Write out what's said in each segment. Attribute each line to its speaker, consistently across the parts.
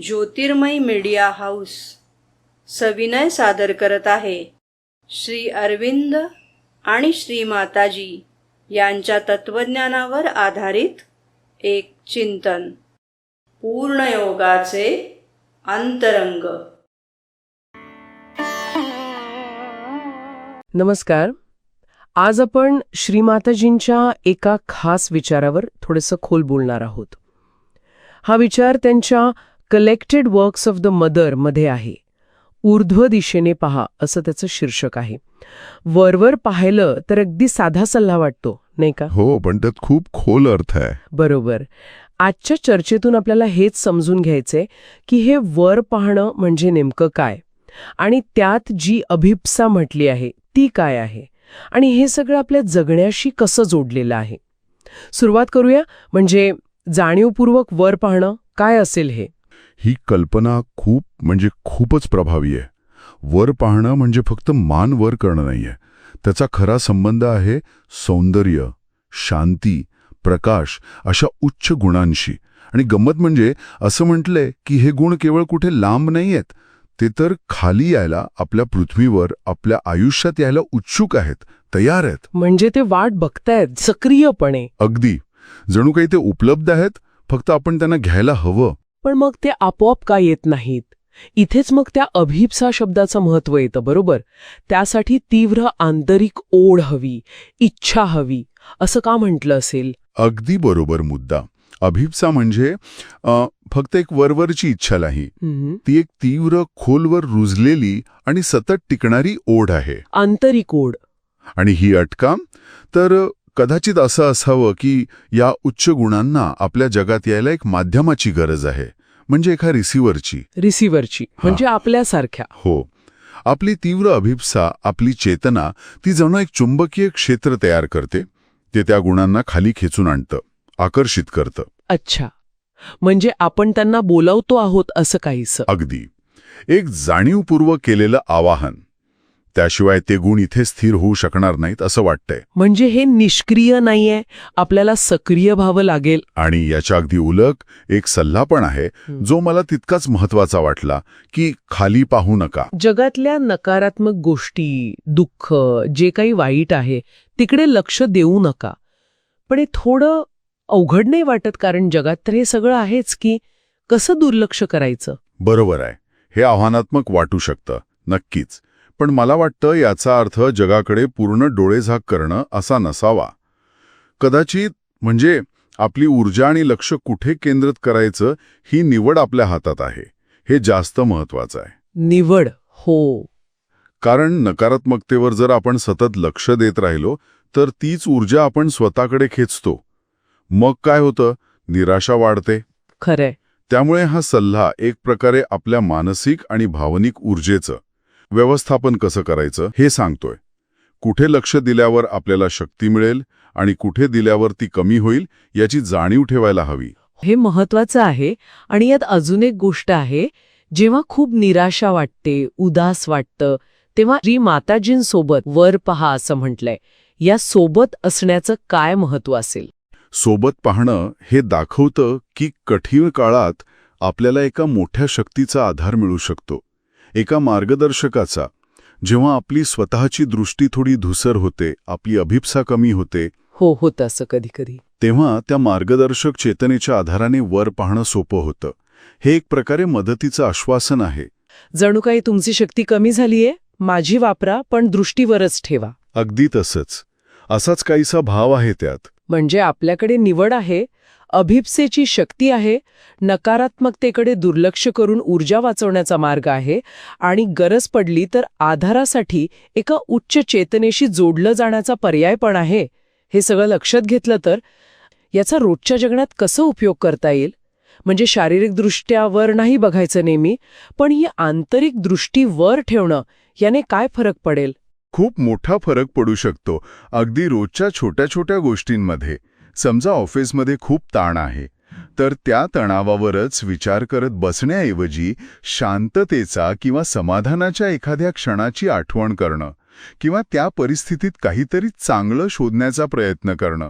Speaker 1: ज्योतिर्मय media house सविनय सादर करत आहे श्री अरविंद आणि श्री माताजी यांच्या तत्वज्ञानावर आधारित एक चिंतन, पूर्णयोगाचे अंतरंग.
Speaker 2: नमस्कार. आज आपण श्रीमाताजींच्या एका खास विचारावर थोडंसं खोल बोलणार आहोत. हा विचार त्यांच्या collected works of the Mother मध्ये आहे. ऊर्ध्व दिशेने पहा असं त्याचं शीर्षक आहे. वरवर पाहिलं तर अगदी साधा सल्ला वाटतो, नाही का?
Speaker 3: हो, पण त्यात खूप खोल अर्थ आहे.
Speaker 2: बरोबर. आजच्या चर्चेतून आपल्याला हेच समजून घ्यायचंय की हे वर पाहणं म्हणजे नेमकं काय, आणि त्यात जी अभिप्सा म्हटली आहे ती काय आहे, आणि हे सगळं आपल्या जगण्याशी कसं जोडलेलं आहे. सुरुवात करूया. म्हणजे जाणीवपूर्वक वर पाहणं काय असेल हे.
Speaker 3: ही कल्पना खूपच प्रभावी आहे. वर पाहणं म्हणजे फक्त मान वर करणं नाहीये. त्याचा खरा संबंध आहे सौंदर्य, शांती, प्रकाश अशा उच्च गुणांशी. आणि गंमत म्हणजे असं म्हटलंय की हे गुण केवळ कुठे लांब नाहीयेत, ते तर खाली यायला, आपल्या पृथ्वीवर, आपल्या आयुष्यात यायला उत्सुक आहेत, तयार आहेत.
Speaker 2: म्हणजे ते वाट बघतायत सक्रियपणे.
Speaker 3: अगदी जणू काही ते उपलब्ध आहेत, फक्त आपण त्यांना घ्यायला हवं.
Speaker 2: पण मग ते आपोआप का येत नाहीत? इथेच मग त्या अभिप्सा शब्दाचं महत्त्व येतं. बरोबर. त्यासाठी तीव्र आंतरिक ओढ हवी, इच्छा हवी, असं का म्हटलं असेल?
Speaker 3: अगदी बरोबर मुद्दा. अभिप्सा म्हणजे फक्त एक वरवरची इच्छा नाही, ती एक तीव्र, खोलवर रुजलेली आणि सतत टिकणारी ओढ आहे.
Speaker 2: आंतरिक ओढ.
Speaker 3: आणि ही अटका तर कदाचित असं असावं की या उच्च गुणांना आपल्या जगात यायला एक माध्यमाची गरज आहे, म्हणजे एका रिसिव्हरची. म्हणजे आपल्यासारख्या. हो. आपली तीव्र अभिप्सा, आपली चेतना, ती जणू एक चुंबकीय क्षेत्र तयार करते. ते त्या गुणांना खाली खेचून आणतं, आकर्षित करतं.
Speaker 2: अच्छा. म्हणजे आपण त्यांना बोलावतो आहोत असं काहीसं.
Speaker 3: अगदी. एक जाणीवपूर्वक केलेलं आवाहन. त्याशिवाय ते गुण इथे स्थिर होऊ शकणार नाहीत असं वाटतंय.
Speaker 2: म्हणजे हे निष्क्रिय नाहीये, आपल्याला सक्रिय व्हावं लागेल.
Speaker 3: आणि याच्या अगदी उलट एक सल्ला पण आहे, जो मला तितकाच महत्वाचा वाटला, की खाली पाहू नका.
Speaker 2: जगातल्या नकारात्मक गोष्टी, दुःख, जे काही वाईट आहे तिकडे लक्ष देऊ नका. पण हे थोडं अवघड नाही वाटत? कारण जगात तर हे सगळं आहेच की. कसं दुर्लक्ष करायचं?
Speaker 3: बरोबर आहे. हे आव्हानात्मक वाटू शकतं, नक्कीच. पण मला वाटतं याचा अर्थ जगाकडे पूर्ण डोळेझाक करणं असा नसावा. कदाचित म्हणजे आपली ऊर्जा आणि लक्ष कुठे केंद्रित करायचं ही निवड आपल्या हातात आहे. हे जास्त महत्वाचं आहे.
Speaker 2: निवड. हो.
Speaker 3: कारण नकारात्मकतेवर जर आपण सतत लक्ष देत राहिलो तर तीच ऊर्जा आपण स्वतःकडे खेचतो. मग काय होतं? निराशा वाढते.
Speaker 2: खरंय.
Speaker 3: त्यामुळे हा सल्ला एक प्रकारे आपल्या मानसिक आणि भावनिक ऊर्जेचं व्यवस्थापन कसं करायचं हे सांगतोय. कुठे लक्ष दिल्यावर आपल्याला शक्ती मिळेल आणि कुठे दिल्यावर ती कमी होईल याची जाणीव ठेवायला हवी.
Speaker 2: हे महत्वाचं आहे. आणि यात अजून एक गोष्ट आहे. जेव्हा खूप निराशा वाटते, उदास वाटतं, तेव्हा श्री माताजींसोबत वर पहा असं म्हटलंय. या सोबत असण्याचं काय महत्व असेल?
Speaker 3: सोबत पाहणं हे दाखवतं की कठीण काळात आपल्याला एका मोठ्या शक्तीचा आधार मिळू शकतो, एका मार्गदर्शकाचा. जेव्हा आपली स्वतःची दृष्टी थोडी धुसर होते, आपली अभिप्सा कमी होते,
Speaker 2: होतं असं कधी कधी,
Speaker 3: तेव्हा त्या मार्गदर्शक चेतनेच्या आधाराने वर पाहणं सोपं होतं. हे एक प्रकारे मदतीचं आश्वासन आहे.
Speaker 2: जणू काही तुमची शक्ती कमी झालीये, माझी वापरा, पण दृष्टीवरच ठेवा.
Speaker 3: अगदी तसंच. असाच काहीसा भाव आहे त्यात.
Speaker 2: म्हणजे आपल्याकडे निवड आहे, अभिप्सेची शक्ती आहे, नकारात्मकतेकडे दुर्लक्ष करून ऊर्जा वाचवण्याचा मार्ग आहे, आणि गरज पडली तर आधारासाठी एका उच्च चेतनेशी जोडलं जाण्याचा पर्याय पण आहे. हे सगळं लक्षात घेतलं तर याचा रोजच्या जगण्यात कसं उपयोग करता येईल? म्हणजे शारीरिकदृष्ट्या वर नाही बघायचं नेहमी, पण ही आंतरिक दृष्टी वर ठेवणं, याने काय फरक पडेल?
Speaker 3: खूप मोठा फरक पडू शकतो. अगदी रोजच्या छोट्या छोट्या गोष्टींमध्ये. समजा ऑफिसमध्ये खूप ताण आहे, तर त्या तणावावरच विचार करत बसण्याऐवजी शांततेचा किंवा समाधानाच्या एखाद्या क्षणाची आठवण करणं, किंवा त्या परिस्थितीत काहीतरी चांगलं शोधण्याचा प्रयत्न करणं,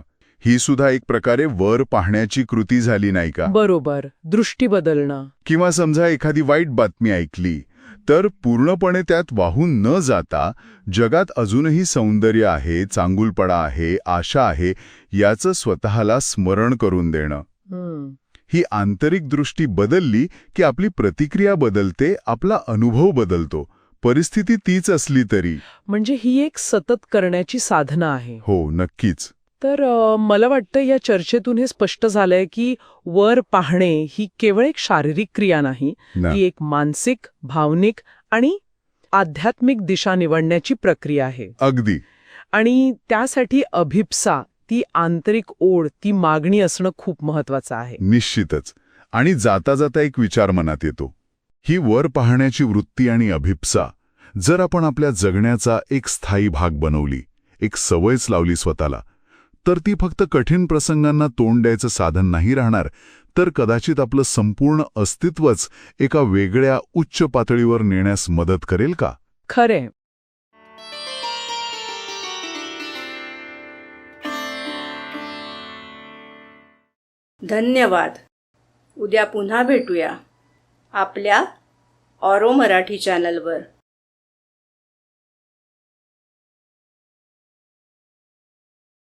Speaker 3: ही सुद्धा एक प्रकारे वर पाहण्याची कृती झाली नाही का?
Speaker 2: बरोबर, दृष्टी बदलणं.
Speaker 3: किंवा समजा एखादी वाईट बातमी ऐकली तर पूर्णपणे त्यात वाहून न जाता जगात अजूनही सौंदर्य आहे, चांगुलपणा आहे, आशा आहे याचं स्वतःला स्मरण करून देणं.
Speaker 2: हम्म.
Speaker 3: ही आंतरिक दृष्टी बदलली की आपली प्रतिक्रिया बदलते, आपला अनुभव बदलतो. परिस्थिती तीच असली तरी.
Speaker 2: म्हणजे ही एक सतत करण्याची साधना आहे.
Speaker 3: हो, नक्कीच.
Speaker 2: तर मला वाटतं या चर्चेतून हे स्पष्ट झालंय की वर पाहणे ही केवळ एक शारीरिक क्रिया नाही,
Speaker 3: ना.
Speaker 2: ती एक मानसिक, भावनिक आणि आध्यात्मिक दिशा निवडण्याची प्रक्रिया आहे.
Speaker 3: अगदी.
Speaker 2: आणि त्यासाठी अभिप्सा, ती आंतरिक ओढ, ती मागणी असणं खूप महत्वाचं आहे.
Speaker 3: निश्चितच. आणि जाता जाता एक विचार मनात येतो. ही वर पाहण्याची वृत्ती आणि अभिप्सा जर आपण आपल्या जगण्याचा एक स्थायी भाग बनवली, एक सवयच लावली स्वतःला, तर ती फक्त कठीण प्रसंगांना तोंड द्यायचं साधन नाही राहणार, तर कदाचित आपलं संपूर्ण अस्तित्वच एका वेगळ्या उच्च पातळीवर नेण्यास मदत करेल का?
Speaker 2: खरे.
Speaker 1: धन्यवाद. उद्या पुन्हा भेटूया आपल्या ऑरो मराठी चॅनलवर.